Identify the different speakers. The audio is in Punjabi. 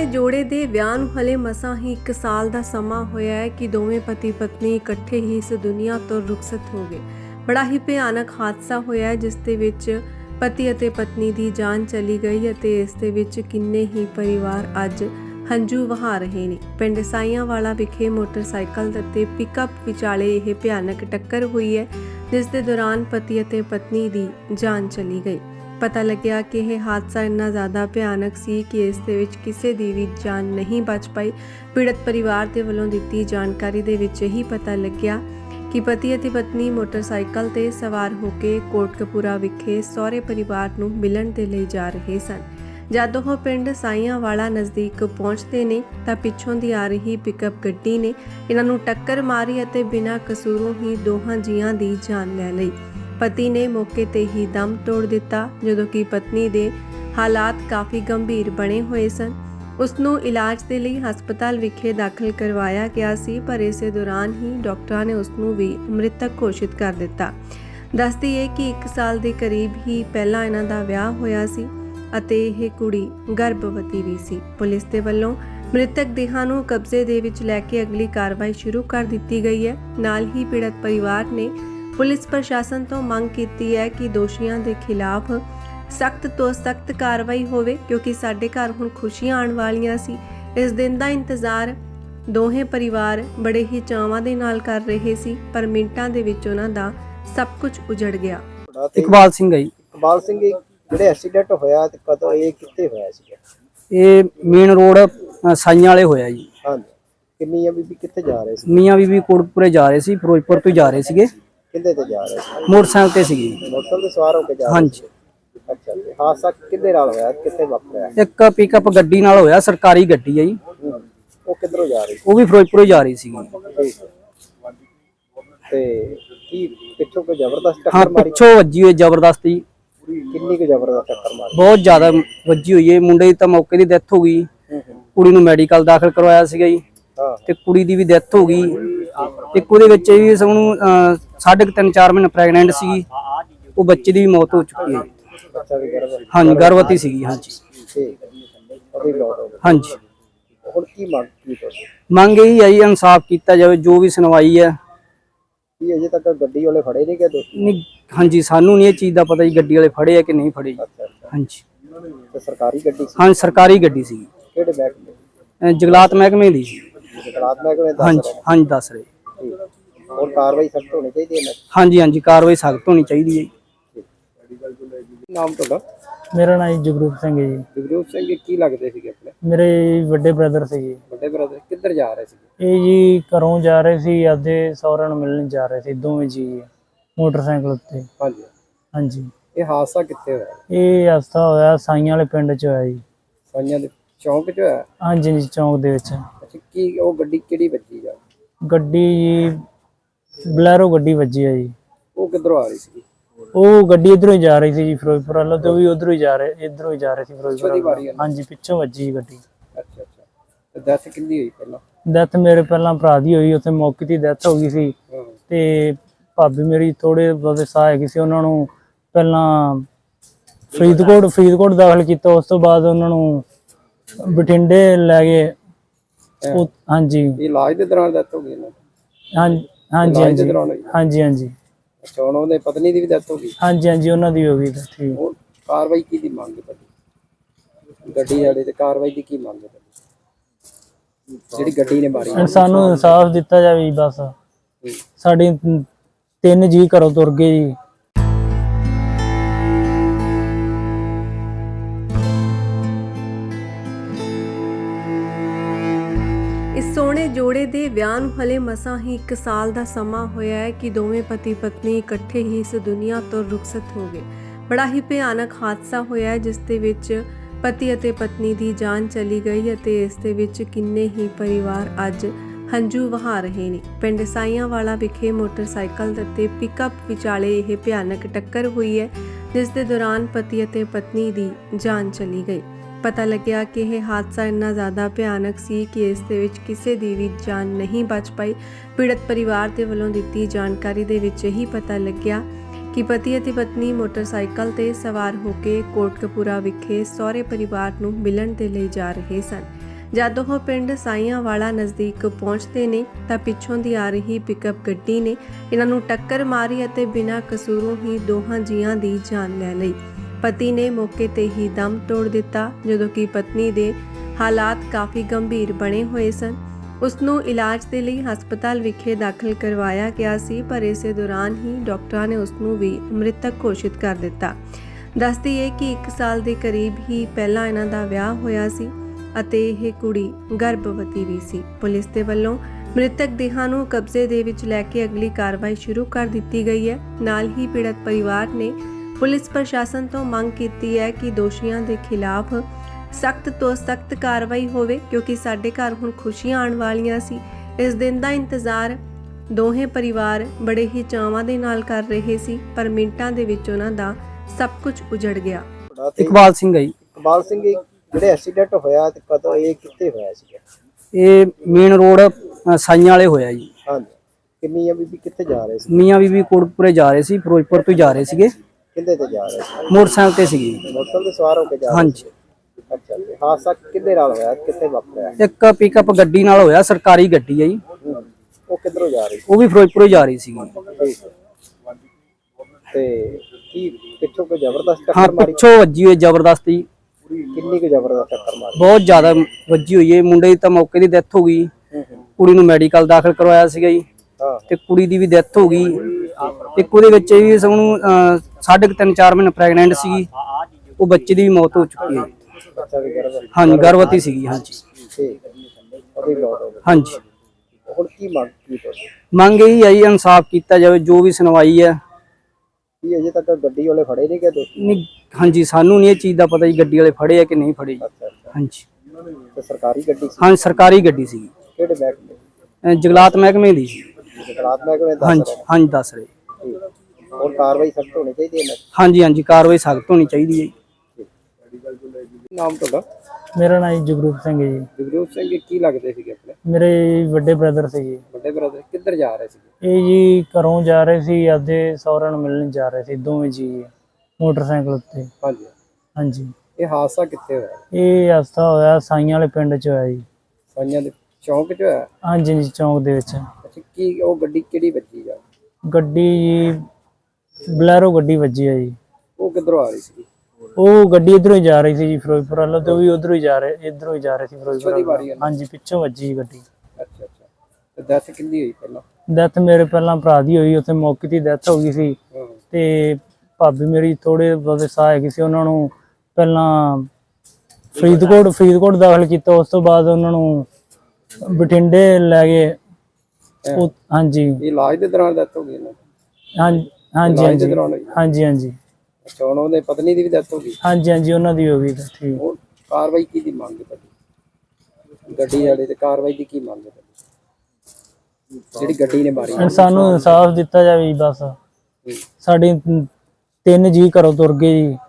Speaker 1: ਜੋੜੇ ਦੇ ਵਿਆਹ ਨੂੰ ਹਲੇ ਮਸਾਂ ਹੀ 1 ਸਾਲ ਦਾ ਸਮਾਂ ਹੋਇਆ ਹੈ ਕਿ ਦੋਵੇਂ ਪਤੀ ਪਤਨੀ ਇਕੱਠੇ ਹੀ ਇਸ ਦੁਨੀਆ ਤੋਂ ਰੁਖਸਤ ਹੋ ਗਏ। ਬੜਾ ਹੀ ਭਿਆਨਕ ਹਾਦਸਾ ਹੋਇਆ ਹੈ ਜਿਸ ਦੇ ਵਿੱਚ ਪਤੀ ਅਤੇ ਪਤਨੀ ਦੀ ਜਾਨ ਚਲੀ ਗਈ ਅਤੇ ਇਸ ਦੇ ਵਿੱਚ ਕਿੰਨੇ ਹੀ ਪਰਿਵਾਰ ਅੱਜ ਹੰਝੂ ਵਹਾ ਰਹੇ ਨੇ। ਪਿੰਡ ਸਾਈਆਂਵਾਲਾ ਵਿਖੇ ਮੋਟਰਸਾਈਕਲ ਅਤੇ ਪਿਕਅਪ ਵਿਚਾਲੇ ਇਹ ਭਿਆਨਕ ਟੱਕਰ ਹੋਈ ਹੈ ਜਿਸ ਦੇ ਦੌਰਾਨ ਪਤੀ ਅਤੇ ਪਤਨੀ ਦੀ ਜਾਨ ਚਲੀ ਗਈ। ਪਤਾ ਲੱਗਿਆ ਕਿ ਇਹ ਹਾਦਸਾ ਇੰਨਾ ਜ਼ਿਆਦਾ ਭਿਆਨਕ ਸੀ ਕਿ ਇਸ ਦੇ ਵਿੱਚ ਕਿਸੇ ਦੀ ਵੀ ਜਾਨ ਨਹੀਂ ਬਚ ਪਾਈ। ਪੀੜਤ ਪਰਿਵਾਰ ਦੇ ਵੱਲੋਂ ਦਿੱਤੀ ਜਾਣਕਾਰੀ ਦੇ ਵਿੱਚ ਹੀ ਪਤਾ ਲੱਗਿਆ ਕਿ ਪਤੀ ਅਤੇ ਪਤਨੀ ਮੋਟਰਸਾਈਕਲ ਤੇ ਸਵਾਰ ਹੋ ਕੇ ਕੋਟਕਪੂਰਾ ਵਿਖੇ ਸਹੁਰੇ ਪਰਿਵਾਰ ਨੂੰ ਮਿਲਣ ਦੇ ਲਈ ਜਾ ਰਹੇ ਸਨ। ਜਦ ਉਹ ਪਿੰਡ ਸਾਈਆਂਵਾਲਾ ਨਜ਼ਦੀਕ ਪਹੁੰਚਦੇ ਨੇ ਤਾਂ ਪਿੱਛੋਂ ਦੀ ਆ ਰਹੀ ਪਿਕਅਪ ਗੱਡੀ ਨੇ ਇਹਨਾਂ ਨੂੰ ਟੱਕਰ ਮਾਰੀ ਅਤੇ ਬਿਨਾਂ ਕਸੂਰੋਂ ਹੀ ਦੋਹਾਂ ਜੀਆਂ ਦੀ ਜਾਨ ਲੈ ਲਈ। ਪਤੀ ਨੇ ਮੌਕੇ ਤੇ ਹੀ ਦਮ ਤੋੜ ਦਿੱਤਾ ਜਦੋਂ ਕਿ ਪਤਨੀ ਦੇ ਹਾਲਾਤ ਕਾਫੀ ਗੰਭੀਰ ਬਣੇ ਹੋਏ ਸਨ। ਉਸ ਨੂੰ ਇਲਾਜ ਦੇ ਲਈ ਹਸਪਤਾਲ ਵਿਖੇ ਦਾਖਲ ਕਰਵਾਇਆ ਗਿਆ ਸੀ ਪਰ ਇਸੇ ਦੌਰਾਨ ਹੀ ਡਾਕਟਰਾਂ ਨੇ ਉਸ ਨੂੰ ਵੀ ਮ੍ਰਿਤਕ ਘੋਸ਼ਿਤ ਕਰ ਦਿੱਤਾ। ਦੱਸਦੀ ਹੈ ਕਿ 1 ਸਾਲ ਦੇ ਕਰੀਬ ਹੀ ਪਹਿਲਾਂ ਇਹਨਾਂ ਦਾ ਵਿਆਹ ਹੋਇਆ ਸੀ ਅਤੇ ਇਹ ਕੁੜੀ ਗਰਭਵਤੀ ਵੀ ਸੀ। ਪੁਲਿਸ ਦੇ ਵੱਲੋਂ ਮ੍ਰਿਤਕ ਦੇਹਾਂ ਨੂੰ ਕਬਜ਼ੇ ਦੇ ਵਿੱਚ ਲੈ ਕੇ ਅਗਲੀ ਕਾਰਵਾਈ ਸ਼ੁਰੂ ਕਰ ਦਿੱਤੀ ਗਈ ਹੈ। ਨਾਲ ਹੀ ਪੀੜਤ ਪਰਿਵਾਰ ਨੇ ਪੁਲਿਸ ਪ੍ਰਸ਼ਾਸਨ ਤੋਂ ਮੰਗ ਕੀਤੀ ਹੈ ਕਿ ਦੋਸ਼ੀਆਂ ਦੇ ਖਿਲਾਫ ਸਖਤ ਤੋਂ ਸਖਤ ਕਾਰਵਾਈ ਹੋਵੇ ਕਿਉਂਕਿ ਸਾਡੇ ਘਰ ਹੁਣ ਖੁਸ਼ੀਆਂ ਆਉਣ ਵਾਲੀਆਂ ਸੀ। ਇਸ ਦਿਨ ਦਾ ਇੰਤਜ਼ਾਰ ਦੋਹੇ ਪਰਿਵਾਰ ਬੜੇ ਹੀ ਚਾਵਾਂ ਦੇ ਨਾਲ ਕਰ ਰਹੇ ਸੀ ਪਰ ਮਿੰਟਾਂ ਦੇ ਵਿੱਚ ਉਹਨਾਂ ਦਾ ਸਭ ਕੁਝ ਉਜੜ ਗਿਆ।
Speaker 2: ਇਕਬਾਲ ਸਿੰਘ ਹੈ ਜੀ।
Speaker 3: ਇਕਬਾਲ ਸਿੰਘ ਜਿਹੜੇ ਐਕਸੀਡੈਂਟ ਹੋਇਆ ਤੇ ਕਦੋਂ ਇਹ ਕਿੱਥੇ ਹੋਇਆ ਸੀ?
Speaker 2: ਇਹ ਮੇਨ ਰੋਡ ਸਾਈਆਂ ਵਾਲੇ ਹੋਇਆ ਜੀ।
Speaker 3: ਹਾਂਜੀ। ਕਿੰਨੀ ਬੀਬੀ ਕਿੱਥੇ ਜਾ ਰਹੇ ਸੀ?
Speaker 2: ਮੀਆਂ ਬੀਬੀ ਕੋਟਕਪੂਰੇ ਜਾ ਰਹੇ ਸੀ, ਫਿਰੋਜ਼ਪੁਰ ਤੋਂ ਜਾ ਰਹੇ ਸੀਗੇ।
Speaker 3: ਕਿੱਥੇ ਤੇ ਜਾ ਰਹੇ ਸੀ?
Speaker 2: ਮੋਟਰਸਾਈਕਲ ਤੇ ਸੀਗੇ।
Speaker 3: ਮੋਟਰਸਾਈਕਲ ਤੇ ਸਵਾਰ ਹੋ ਕੇ ਜਾ ਰਹੇ
Speaker 2: ਹਾਂਜੀ।
Speaker 3: ਸੀ? ਅੱਛਾ ਜੀ। ਹਾਦਸਾ ਕਿੱਦੇ ਨਾਲ ਹੋਇਆ, ਕਿੱਥੇ ਵਾਪਰਿਆ?
Speaker 2: ਇੱਕ ਪਿਕਅਪ ਗੱਡੀ ਨਾਲ ਹੋਇਆ, ਸਰਕਾਰੀ ਗੱਡੀ ਹੈ ਜੀ।
Speaker 3: ਉਹ ਕਿੱਧਰੋਂ ਜਾ ਰਹੀ ਸੀ?
Speaker 2: ਉਹ ਵੀ ਫਿਰੋਜ਼ਪੁਰੋਂ ਜਾ ਰਹੀ ਸੀਗੀ।
Speaker 3: ਠੀਕ ਹੈ। ਤੇ ਕੀ ਪਿੱਛੋਂ ਕੋਈ ਜ਼ਬਰਦਸਤ
Speaker 2: ਹਾਂ,
Speaker 3: ਟੱਕਰ ਮਾਰੀ?
Speaker 2: ਪਿੱਛੋਂ ਵੱਜੀ ਹੋਈ ਜ਼ਬਰਦਸਤ ਜੀ।
Speaker 3: ਕਿੰਨੀ ਕੁ ਜ਼ਬਰਦਸਤ ਟੱਕਰ ਮਾਰੀ?
Speaker 2: ਬਹੁਤ ਜ਼ਿਆਦਾ ਵੱਜੀ ਹੋਈ ਹੈ। ਮੁੰਡੇ ਦੀ ਤਾਂ ਮੌਕੇ ਦੀ ਡੈਥ ਹੋ ਗਈ। ਕੁੜੀ ਨੂੰ ਮੈਡੀਕਲ ਦਾਖਲ ਕਰਵਾਇਆ ਸੀਗਾ ਜੀ ਤੇ ਕੁੜੀ ਦੀ ਵੀ ਡੈਥ ਹੋ ਗਈ। ਇੱਕ ਉਹਦੇ ਵਿੱਚ ਵੀ ਉਹਨੂੰ 3.5-4 ਮਹੀਨੇ ਪ੍ਰੈਗਨੈਂਟ ਸੀਗੀ। ਉਹ ਬੱਚੇ ਦੀ ਵੀ ਮੌਤ ਹੋ ਚੁੱਕੀ ਹੈ।
Speaker 3: ਬੱਚਾ ਵੀ
Speaker 2: ਹਾਂਜੀ, ਗਰਭਵਤੀ ਸੀਗੀ। ਹਾਂਜੀ
Speaker 3: ਠੀਕ ਹੈ। ਉਹਦੀ ਮੌਤ ਹੋ ਗਈ।
Speaker 2: ਹਾਂਜੀ।
Speaker 3: ਹੁਣ ਕੀ ਮੰਗ ਕੀ ਤੁਸੀਂ?
Speaker 2: ਮੰਗ ਇਹੀ ਹੈ ਜੀ, ਇਨਸਾਫ ਕੀਤਾ ਜਾਵੇ। ਜੋ ਵੀ ਸੁਣਵਾਈ ਹੈ।
Speaker 3: ਕੀ ਅਜੇ ਤੱਕ ਗੱਡੀ ਵਾਲੇ ਫੜੇ ਨਹੀਂ ਗਏ ਦੋਸ਼ੀ?
Speaker 2: ਨਹੀਂ, ਹਾਂਜੀ, ਸਾਨੂੰ ਨਹੀਂ ਇਹ ਚੀਜ਼ ਦਾ ਪਤਾ ਜੀ ਗੱਡੀ ਵਾਲੇ ਫੜੇ ਆ ਕਿ ਨਹੀਂ ਫੜੇ। ਹਾਂਜੀ।
Speaker 3: ਤੇ ਸਰਕਾਰੀ ਗੱਡੀ ਸੀ?
Speaker 2: ਹਾਂ, ਸਰਕਾਰੀ ਗੱਡੀ ਸੀਗੀ।
Speaker 3: ਕਿਹੜੇ ਮਹਿਕਮੇ?
Speaker 2: ਜੰਗਲਾਤ ਮਹਿਕਮੇ ਦੀ ਸੀ।
Speaker 3: ਜੰਗਲਾਤ ਮਹਿਕਮੇ ਦੱਸ
Speaker 2: ਹਾਂਜੀ
Speaker 3: ਰਹੇ?
Speaker 2: ਹਾਂਜੀ, ਦੱਸ ਰਹੇ।
Speaker 3: ਠੀਕ। ਹੋਰ ਕਾਰਵਾਈ ਸਖਤ ਹੋਣੀ ਚਾਹੀਦੀ ਹੈ?
Speaker 2: ਹਾਂਜੀ ਹਾਂਜੀ, ਕਾਰਵਾਈ ਸਖਤ ਹੋਣੀ ਚਾਹੀਦੀ ਹੈ ਜੀ।
Speaker 3: ਨਾਮ ਤੁਹਾਡਾ?
Speaker 4: ਮੇਰਾ ਨਾਮ ਜਗਰੂਪ ਸਿੰਘ ਹੈ ਜੀ।
Speaker 3: ਜਗਰੂਪ ਸਿੰਘ ਕੀ ਲੱਗਦੇ ਸੀਗੇ ਆਪਣੇ?
Speaker 4: ਮੇਰੇ ਵੱਡੇ ਬ੍ਰਦਰ ਸੀਗੇ।
Speaker 3: ਵੱਡੇ ਬ੍ਰਦਰ ਕਿੱਧਰ ਜਾ ਰਹੇ ਸੀਗੇ?
Speaker 4: ਇਹ ਜੀ ਘਰੋਂ ਜਾ ਰਹੇ ਸੀ, ਆਪਦੇ ਸਹੁਰਿਆਂ ਨੂੰ ਮਿਲਣ ਜਾ ਰਹੇ ਸੀ, ਦੋਵੇਂ ਜੀ ਮੋਟਰਸਾਈਕਲ ਉੱਤੇ।
Speaker 3: ਹਾਂਜੀ।
Speaker 4: ਹਾਂਜੀ।
Speaker 3: ਇਹ ਹਾਦਸਾ ਕਿੱਥੇ ਹੋਇਆ?
Speaker 4: ਇਹ ਹਾਦਸਾ ਹੋਇਆ ਸਾਈਆਂ ਵਾਲੇ ਪਿੰਡ 'ਚ ਹੋਇਆ ਜੀ।
Speaker 3: ਸਾਈਆਂ ਦੇ ਚੌਂਕ 'ਚ ਹੋਇਆ?
Speaker 4: ਹਾਂਜੀ ਜੀ, ਚੌਂਕ ਦੇ ਵਿੱਚ।
Speaker 3: ਅੱਛਾ। ਕੀ ਉਹ ਗੱਡੀ ਕਿਹੜੀ ਵੱਜੀ ਜਾ?
Speaker 4: ਗੱਡੀ ਜੀ ਬਲੈਰੋ ਗੱਡੀ ਵੱਜੀ ਆ ਜੀ।
Speaker 3: ਉਹ ਕਿੱਧਰੋਂ ਆ ਰਹੀ ਸੀ?
Speaker 4: ਉਹ ਗੱਡੀ ਇੱਧਰੋਂ ਹੀ ਜਾ ਰਹੀ ਸੀ ਜੀ, ਫਿਰੋਜ਼ਪੁਰ ਵੱਲੋਂ, ਤੇ ਉਹ ਵੀ ਉੱਧਰੋਂ ਹੀ ਜਾ ਰਹੇ, ਇੱਧਰੋਂ ਹੀ ਜਾ ਰਹੇ ਸੀ ਫਿਰੋਜ਼ਪੁਰ ਵੱਲੋਂ। ਹਾਂਜੀ, ਪਿੱਛੋਂ ਵੱਜੀ ਗੱਡੀ।
Speaker 3: ਅੱਛਾ ਅੱਛਾ। ਤੇ ਡੈਥ ਕਿੰਨੀ ਹੋਈ ਪਹਿਲਾਂ?
Speaker 4: ਡੈਥ ਮੇਰੇ ਪਹਿਲਾਂ ਭਰਾ ਦੀ ਹੋਈ, ਉੱਥੇ ਮੌਕੇ ਦੀ ਡੈਥ ਹੋ ਗਈ ਸੀ ਤੇ ਭਾਬੀ ਮੇਰੀ ਥੋੜੇ ਬਹੁਤੇ ਸਾਹ ਹੈਗੀ ਸੀ। ਉਹਨਾਂ ਨੂੰ ਪਹਿਲਾਂ ਫਰੀਦਕੋਟ ਦਾਖਲ ਕੀਤਾ, ਉਸ ਤੋਂ ਬਾਅਦ ਉਹਨਾਂ ਨੂੰ ਬਠਿੰਡੇ ਲੈ ਗਏ। ਹਾਂਜੀ।
Speaker 3: ਇਲਾਜ ਦੇ ਦੌਰਾਨ ਡੈਥ ਹੋ ਗਈ ਇਹਨਾਂ ਦੀ?
Speaker 4: ਹਾਂਜੀ ਹਾਂਜੀ ਹਾਂਜੀ ਹਾਂਜੀ।
Speaker 3: ਅੱਛਾ। ਹੁਣ ਉਹਦੇ ਪਤਨੀ ਦੀ ਵੀ ਡੈਥ ਹੋ ਗਈ?
Speaker 4: ਹਾਂਜੀ ਹਾਂਜੀ, ਉਹਨਾਂ ਦੀ ਹੋ ਗਈ। ਠੀਕ।
Speaker 3: ਹੁਣ ਕਾਰਵਾਈ ਕੀ ਦੀ ਮੰਗ ਹੈ ਤੁਹਾਡੀ? ਗੱਡੀ ਵਾਲੇ ਤੇ ਕਾਰਵਾਈ ਦੀ ਕੀ ਮੰਗ ਹੈ ਤੁਹਾਡੀ ਜਿਹੜੀ ਗੱਡੀ ਨੇ ਮਾਰੀ?
Speaker 4: ਸਾਨੂੰ ਇਨਸਾਫ ਦਿੱਤਾ ਜਾਵੇ ਬਸ। ਸਾਡੇ 3 ਜੀ ਘਰੋਂ ਤੁਰ ਗਏ ਜੀ।
Speaker 1: ਇਸ ਸੋਹਣੇ ਜੋੜੇ ਦੇ ਵਿਆਹ ਨੂੰ ਹਲੇ ਮਸਾਂ ਹੀ 1 ਸਾਲ ਦਾ ਸਮਾਂ ਹੋਇਆ ਹੈ ਕਿ ਦੋਵੇਂ ਪਤੀ ਪਤਨੀ ਇਕੱਠੇ ਹੀ ਇਸ ਦੁਨੀਆ ਤੋਂ ਰੁਖਸਤ ਹੋ ਗਏ। ਬੜਾ ਹੀ ਭਿਆਨਕ ਹਾਦਸਾ ਹੋਇਆ ਹੈ ਜਿਸ ਦੇ ਵਿੱਚ ਪਤੀ ਅਤੇ ਪਤਨੀ ਦੀ ਜਾਨ ਚਲੀ ਗਈ ਅਤੇ ਇਸ ਦੇ ਵਿੱਚ ਕਿੰਨੇ ਹੀ ਪਰਿਵਾਰ ਅੱਜ ਹੰਝੂ ਵਹਾ ਰਹੇ ਨੇ। ਪਿੰਡ ਸਾਈਆਂਵਾਲਾ ਵਿਖੇ ਮੋਟਰਸਾਈਕਲ ਅਤੇ ਪਿਕਅਪ ਵਿਚਾਲੇ ਇਹ ਭਿਆਨਕ ਟੱਕਰ ਹੋਈ ਹੈ ਜਿਸ ਦੇ ਦੌਰਾਨ ਪਤੀ ਅਤੇ ਪਤਨੀ ਦੀ ਜਾਨ ਚਲੀ ਗਈ। ਪਤਾ ਲੱਗਿਆ ਕਿ ਇਹ ਹਾਦਸਾ ਇੰਨਾ ਜ਼ਿਆਦਾ ਭਿਆਨਕ ਸੀ ਕਿ ਇਸ ਦੇ ਵਿੱਚ ਕਿਸੇ ਦੀ ਵੀ ਜਾਨ ਨਹੀਂ ਬਚ ਪਾਈ। ਪੀੜਤ ਪਰਿਵਾਰ ਦੇ ਵੱਲੋਂ ਦਿੱਤੀ ਜਾਣਕਾਰੀ ਦੇ ਵਿੱਚ ਹੀ ਪਤਾ ਲੱਗਿਆ ਕਿ ਪਤੀ ਅਤੇ ਪਤਨੀ ਮੋਟਰਸਾਈਕਲ ਤੇ ਸਵਾਰ ਹੋ ਕੇ ਕੋਟਕਪੂਰਾ ਵਿਖੇ ਸਹੁਰੇ ਪਰਿਵਾਰ ਨੂੰ ਮਿਲਣ ਦੇ ਲਈ ਜਾ ਰਹੇ ਸਨ। ਜਦ ਉਹ ਪਿੰਡ ਸਾਈਆਂਵਾਲਾ ਨਜ਼ਦੀਕ ਪਹੁੰਚਦੇ ਨੇ ਤਾਂ ਪਿੱਛੋਂ ਦੀ ਆ ਰਹੀ ਪਿਕਅਪ ਗੱਡੀ ਨੇ ਇਹਨਾਂ ਨੂੰ ਟੱਕਰ ਮਾਰੀ ਅਤੇ ਬਿਨਾਂ ਕਸੂਰੋਂ ਹੀ ਦੋਹਾਂ ਜੀਆਂ ਦੀ ਜਾਨ ਲੈ ਲਈ। ਪਤੀ ਨੇ ਮੌਕੇ ਤੇ ਹੀ ਦਮ ਤੋੜ ਦਿੱਤਾ, ਜਦੋਂ ਕਿ ਪਤਨੀ ਦੇ ਹਾਲਾਤ ਕਾਫੀ ਗੰਭੀਰ ਬਣੇ ਹੋਏ ਸਨ। ਉਸ ਨੂੰ ਇਲਾਜ ਦੇ ਲਈ ਹਸਪਤਾਲ ਵਿਖੇ ਦਾਖਲ ਕਰਵਾਇਆ ਗਿਆ ਸੀ, ਪਰ ਇਸੇ ਦੌਰਾਨ ਹੀ ਡਾਕਟਰਾਂ ਨੇ ਉਸ ਨੂੰ ਵੀ ਮ੍ਰਿਤਕ ਘੋਸ਼ਿਤ ਕਰ ਦਿੱਤਾ। ਦੱਸਦੀ ਹੈ ਕਿ 1 ਸਾਲ ਦੇ ਕਰੀਬ ਹੀ ਪਹਿਲਾਂ ਇਹਨਾਂ ਦਾ ਵਿਆਹ ਹੋਇਆ ਸੀ ਅਤੇ ਇਹ ਕੁੜੀ ਗਰਭਵਤੀ ਵੀ ਸੀ। ਪੁਲਿਸ ਦੇ ਵੱਲੋਂ ਮ੍ਰਿਤਕ ਦੇਹਾਂ ਨੂੰ ਕਬਜ਼ੇ ਦੇ ਵਿੱਚ ਲੈ ਕੇ ਅਗਲੀ ਕਾਰਵਾਈ ਸ਼ੁਰੂ ਕਰ ਦਿੱਤੀ ਗਈ ਹੈ। ਨਾਲ ਹੀ ਪੀੜਤ ਪਰਿਵਾਰ ਨੇ ਪੁਲਿਸ ਪ੍ਰਸ਼ਾਸਨ ਤੋਂ ਮੰਗ ਕੀਤੀ ਹੈ ਕਿ ਦੋਸ਼ੀਆਂ ਦੇ ਖਿਲਾਫ ਸਖਤ ਤੋਂ ਸਖਤ ਕਾਰਵਾਈ ਹੋਵੇ, ਕਿਉਂਕਿ ਸਾਡੇ ਘਰ ਹੁਣ ਖੁਸ਼ੀਆਂ ਆਉਣ ਵਾਲੀਆਂ ਸੀ। ਇਸ ਦਿਨ ਦਾ ਇੰਤਜ਼ਾਰ ਦੋਹੇ ਪਰਿਵਾਰ ਬੜੇ ਹੀ ਚਾਵਾਂ ਦੇ ਨਾਲ ਕਰ ਰਹੇ ਸੀ, ਪਰ ਮਿੰਟਾਂ ਦੇ ਵਿੱਚ ਉਹਨਾਂ ਦਾ ਸਭ ਕੁਝ ਉਜੜ ਗਿਆ।
Speaker 2: ਇਕਬਾਲ ਸਿੰਘ ਹੈ ਜੀ।
Speaker 3: ਇਕਬਾਲ ਸਿੰਘ ਜੀ, ਜਿਹੜੇ ਐਕਸੀਡੈਂਟ ਹੋਇਆ ਤੇ ਕਦੋਂ ਇਹ ਕਿੱਥੇ ਹੋਇਆ ਸੀਗਾ?
Speaker 2: ਇਹ ਮੇਨ ਰੋਡ ਸਾਈਆਂ ਵਾਲੇ ਹੋਇਆ ਜੀ।
Speaker 3: ਹਾਂਜੀ। ਕਿੰਨੀ ਆ ਬੀਬੀ ਕਿੱਥੇ ਜਾ ਰਹੇ ਸੀ?
Speaker 2: ਮੀਆਂ ਬੀਬੀ ਕੋਟਪੁਰੇ ਜਾ ਰਹੇ ਸੀ, ਫਿਰੋਜ਼ਪੁਰ ਤੋਂ ਜਾ ਰਹੇ ਸੀਗੇ।
Speaker 3: ਕਿੰਦੇ ਤੇ ਜਾ ਰਹੇ ਸੀ?
Speaker 2: ਮੋਟਰਸਾਈਕਲ ਤੇ ਸੀਗੀ।
Speaker 3: ਮੋਟਰਸਾਈਕਲ ਤੇ ਸਵਾਰ ਹੋ ਕੇ ਜਾ ਰਹੇ
Speaker 2: ਹਾਂਜੀ।
Speaker 3: ਸੀ? ਅੱਛਾ ਜੀ। ਹਾਦਸਾ ਕਿੱਦੇ ਨਾਲ ਹੋਇਆ, ਕਿੱਥੇ ਵਾਪਰਿਆ?
Speaker 2: ਇੱਕ ਪਿਕਅਪ ਗੱਡੀ ਨਾਲ ਹੋਇਆ, ਸਰਕਾਰੀ ਗੱਡੀ ਹੈ ਜੀ।
Speaker 3: ਉਹ ਕਿੱਧਰੋਂ ਜਾ ਰਹੀ ਸੀ?
Speaker 2: ਉਹ ਵੀ ਫਿਰੋਜ਼ਪੁਰੋਂ ਜਾ ਰਹੀ ਸੀਗੀ।
Speaker 3: ਠੀਕ ਹੈ। ਤੇ ਕੀ ਪਿੱਛੋਂ ਕੋਈ ਜ਼ਬਰਦਸਤ
Speaker 2: ਹਾਂ,
Speaker 3: ਟੱਕਰ ਮਾਰੀ?
Speaker 2: ਪਿੱਛੋਂ ਵੱਜੀ ਹੋਈ ਜ਼ਬਰਦਸਤ ਜੀ,
Speaker 3: ਕਿੰਨੀ ਕੁ ਜ਼ਬਰਦਸਤ ਟੱਕਰ ਮਾਰੀ?
Speaker 2: ਬਹੁਤ ਜ਼ਿਆਦਾ ਵੱਜੀ ਹੋਈ ਹੈ। ਮੁੰਡੇ ਦੀ ਤਾਂ ਮੌਕੇ ਦੀ ਡੈਥ ਹੋ ਗਈ, ਕੁੜੀ ਨੂੰ ਮੈਡੀਕਲ ਦਾਖਲ ਕਰਵਾਇਆ ਸੀਗਾ ਜੀ,
Speaker 3: ਹਾਂ।
Speaker 2: ਤੇ ਕੁੜੀ ਦੀ ਵੀ ਡੈਥ ਹੋ ਗਈ। ਇੱਕ ਉਹਦੇ ਵਿੱਚ ਵੀ ਸਭ ਨੂੰ 3.5-4 ਮਹੀਨੇ ਪ੍ਰੈਗਨੈਂਟ ਸੀਗੀ, ਉਹ ਬੱਚੇ ਦੀ ਵੀ ਮੌਤ ਹੋ ਚੁੱਕੀ ਹੈ।
Speaker 3: ਬੱਚਾ ਵੀ ਗਰਭਵਤੀ?
Speaker 2: ਹਾਂਜੀ, ਗਰਭਵਤੀ ਸੀਗੀ। ਹਾਂਜੀ
Speaker 3: ਠੀਕ ਹੈ। ਉਹਦੀ ਮੌਤ ਹੋ ਗਈ।
Speaker 2: ਹਾਂਜੀ।
Speaker 3: ਹੁਣ ਕੀ ਮੰਗ ਕੀ ਤੁਹਾਡੀ?
Speaker 2: ਮੰਗ ਇਹੀ ਹੈ ਜੀ, ਇਨਸਾਫ ਕੀਤਾ ਜਾਵੇ, ਜੋ ਵੀ ਸੁਣਵਾਈ ਹੈ।
Speaker 3: ਕੀ ਅਜੇ ਤੱਕ ਗੱਡੀ ਵਾਲੇ ਫੜੇ ਨਹੀਂ ਗਏ ਦੋਸ਼ੀ?
Speaker 2: ਨਹੀਂ, ਹਾਂਜੀ, ਸਾਨੂੰ ਨਹੀਂ ਇਹ ਚੀਜ਼ ਦਾ ਪਤਾ ਜੀ ਗੱਡੀ ਵਾਲੇ ਫੜੇ ਆ ਕਿ ਨਹੀਂ ਫੜੇ ਜੀ।
Speaker 3: ਅੱਛਾ ਅੱਛਾ।
Speaker 2: ਹਾਂਜੀ।
Speaker 3: ਤੇ ਸਰਕਾਰੀ ਗੱਡੀ ਸੀ?
Speaker 2: ਹਾਂ, ਸਰਕਾਰੀ ਗੱਡੀ ਸੀਗੀ,
Speaker 3: ਕਿਹੜੇ ਮਹਿਕਮੇ?
Speaker 2: ਜੰਗਲਾਤ ਮਹਿਕਮੇ ਦੀ ਸੀ।
Speaker 3: ਗੁਜਰਾਤ ਮਹਿਕਮੇ ਦੱਸ
Speaker 2: ਹਾਂਜੀ
Speaker 3: ਰਹੇ ਨੇ?
Speaker 2: ਹਾਂਜੀ, ਦੱਸ ਰਹੇ।
Speaker 3: ਠੀਕ। ਹੁਣ ਕਾਰਵਾਈ ਸਖਤ ਹੋਣੀ ਚਾਹੀਦੀ ਹੈ ਨਾ?
Speaker 2: ਹਾਂਜੀ ਹਾਂਜੀ, ਕਾਰਵਾਈ ਸਖਤ ਹੋਣੀ ਚਾਹੀਦੀ ਹੈ ਜੀ।
Speaker 3: ਨਾਮ ਤੁਹਾਡਾ?
Speaker 4: ਮੇਰਾ ਨਾਮ ਜਗਰੂਪ ਸਿੰਘ ਹੈ ਜੀ।
Speaker 3: ਜਗਰੂਪ ਸਿੰਘ ਜੀ, ਕੀ ਲੱਗਦੇ ਸੀਗੇ ਆਪਣੇ?
Speaker 4: ਮੇਰੇ ਵੱਡੇ ਬ੍ਰਦਰ ਸੀ ਜੀ।
Speaker 3: ਵੱਡੇ ਬ੍ਰਦਰ ਕਿੱਧਰ ਜਾ ਰਹੇ ਸੀਗੇ?
Speaker 4: ਇਹ ਜੀ ਘਰੋਂ ਜਾ ਰਹੇ ਸੀ, ਆਪਦੇ ਸਹੁਰਿਆਂ ਨੂੰ ਮਿਲਣ ਜਾ ਰਹੇ ਸੀ, ਦੋਵੇਂ ਜੀ ਮੋਟਰਸਾਈਕਲ ਉੱਤੇ।
Speaker 3: ਹਾਂਜੀ।
Speaker 4: ਹਾਂਜੀ।
Speaker 3: ਇਹ ਹਾਦਸਾ ਕਿੱਥੇ ਹੋਇਆ?
Speaker 4: ਇਹ ਹਾਦਸਾ ਹੋਇਆ ਸਾਈਆਂ ਵਾਲੇ ਪਿੰਡ 'ਚ ਹੋਇਆ ਜੀ।
Speaker 3: ਸਾਈਆਂ ਦੇ ਚੌਂਕ 'ਚ ਹੋਇਆ?
Speaker 4: ਹਾਂਜੀ ਜੀ, ਚੌਂਕ ਦੇ ਵਿੱਚ।
Speaker 3: ਅੱਛਾ। ਕੀ ਉਹ ਗੱਡੀ ਕਿਹੜੀ ਵੱਜੀ ਜਾ?
Speaker 4: ਗੱਡੀ ਜੀ ਬਲੈਰੋ ਗੱਡੀ ਵੱਜੀ ਹੈ ਜੀ।
Speaker 3: ਉਹ ਕਿੱਧਰੋਂ ਆ ਰਹੀ ਸੀ?
Speaker 4: ਉਹ ਗੱਡੀ ਇਧਰੋਂ ਹੀ ਜਾ ਰਹੀ ਸੀ ਜੀ, ਫਿਰੋਜ਼ਪੁਰ ਵੱਲੋਂ, ਤੇ ਉਹ ਵੀ ਉਧਰੋਂ ਹੀ ਜਾ ਰਹੇ, ਇਧਰੋਂ ਹੀ ਜਾ ਰਹੇ ਸੀ ਫਿਰੋਜ਼ਪੁਰ ਵੱਲੋਂ। ਹਾਂਜੀ, ਪਿੱਛੋਂ ਵੱਜੀ ਗੱਡੀ।
Speaker 3: ਅੱਛਾ ਅੱਛਾ। ਤੇ ਡੈਥ ਕਿੰਨੀ ਹੋਈ ਪਹਿਲਾਂ?
Speaker 4: ਡੈਥ ਮੇਰੇ ਪਹਿਲਾਂ ਭਰਾ ਦੀ ਹੋਈ, ਉੱਥੇ ਮੌਕੇ ਦੀ ਡੈਥ ਹੋ ਗਈ ਸੀ।
Speaker 3: ਹਾਂ।
Speaker 4: ਤੇ ਭਾਬੀ ਮੇਰੀ ਥੋੜੇ ਬਹੁਤੇ ਸਾਹ ਹੈਗੇ ਸੀ, ਉਹਨਾਂ ਨੂੰ ਪਹਿਲਾਂ ਫਰੀਦਕੋਟ ਦਾਖਲ ਕੀਤਾ, ਉਸ ਤੋਂ ਬਾਅਦ ਉਹਨਾਂ ਨੂੰ ਬਠਿੰਡੇ ਲੈ ਗਏ। ਹਾਂਜੀ।
Speaker 3: ਇਹ ਇਲਾਜ ਦੇ ਦੌਰਾਨ ਡੈਥ ਹੋ ਗਈ ਇਹਨਾਂ ਦੀ?
Speaker 4: ਹਾਂਜੀ ਹਾਂਜੀ
Speaker 3: ਇਲਾਜ ਦੇ
Speaker 4: ਹਾਂਜੀ
Speaker 3: ਦੌਰਾਨ ਹੋਈ?
Speaker 4: ਹਾਂਜੀ ਹਾਂਜੀ
Speaker 3: ਅੱਛਾ। ਹੁਣ ਉਹਦੇ ਪਤਨੀ ਦੀ ਵੀ ਡੈਥ ਹੋ ਗਈ?
Speaker 4: ਹਾਂਜੀ ਹਾਂਜੀ, ਉਹਨਾਂ ਦੀ ਹੋ ਗਈ ਠੀਕ।
Speaker 3: ਹੁਣ ਕਾਰਵਾਈ ਕੀ ਦੀ ਮੰਗ ਹੈ ਤੁਹਾਡੀ? ਗੱਡੀ ਵਾਲੇ ਤੇ ਕਾਰਵਾਈ ਦੀ ਕੀ ਮੰਗ ਹੈ ਤੁਹਾਡੀ, ਜਿਹੜੀ ਗੱਡੀ ਨੇ ਮਾਰੀ?
Speaker 4: ਸਾਨੂੰ ਇਨਸਾਫ ਦਿੱਤਾ ਜਾਵੇ ਜੀ, ਬਸ। ਸਾਡੇ 3 ਜੀ ਘਰੋਂ ਤੁਰ ਗਏ ਜੀ,